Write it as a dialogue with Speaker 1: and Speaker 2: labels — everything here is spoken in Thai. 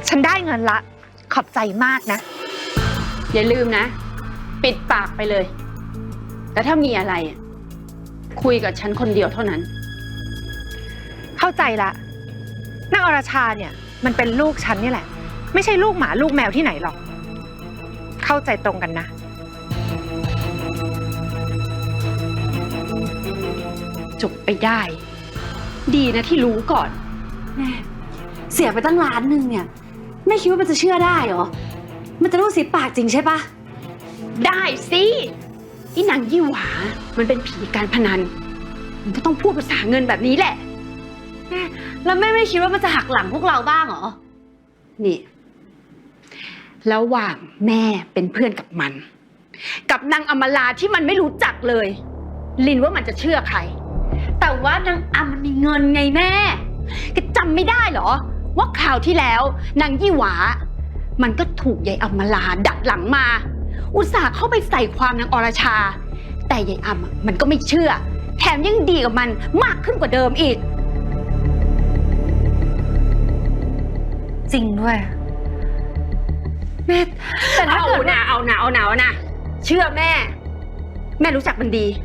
Speaker 1: ฉันได้เงินละขอบใจมากนะ
Speaker 2: อย่าลืมนะปิดปากไปเลยแล้วถ้ามีอะไรคุยกับฉันคนเดียวเท่านั้น
Speaker 1: เข้าใจละนางอรชาเนี่ยมันเป็นลูกฉันนี่แหละไม่ใช่ลูกหมาลูกแมวที่ไหนหรอกเข้าใจตรงกันนะ
Speaker 2: จบไปได้ดีนะที่รู้ก่อน
Speaker 3: แม่เสียไปตั้ง1,000,000เนี่ยแม่คิดว่ามันจะเชื่อได้เหรอมันจะรู้สิปากจริงใช่ปะ
Speaker 2: ได้สิอีนางยี่หวามันเป็นผีการพนันมันก็ต้องพูดภาษาเงินแบบนี้แหละ
Speaker 3: แม่แล้วแม่ไม่คิดว่ามันจะหักหลังพวกเราบ้างเหรอ
Speaker 2: นี่ระหว่างแม่เป็นเพื่อนกับมันกับนางอมราที่มันไม่รู้จักเลยลินว่ามันจะเชื่อใครแต่ว่านางอำมันมีเงินไงแม่ก็จำไม่ได้เหรอว่าคราวที่แล้วนางยี่หวามันก็ถูกยายอมราดักหลังมาอุตส่าห์เข้าไปใส่ความนางอรชาแต่ยายอำมันก็ไม่เชื่อแถมยังดีกับมันมากขึ้นกว่าเดิมอีก
Speaker 1: จริงด้วย
Speaker 2: แม่แต่ถ้าเกิดเอานะเชื่อแม่รู้จักมันดี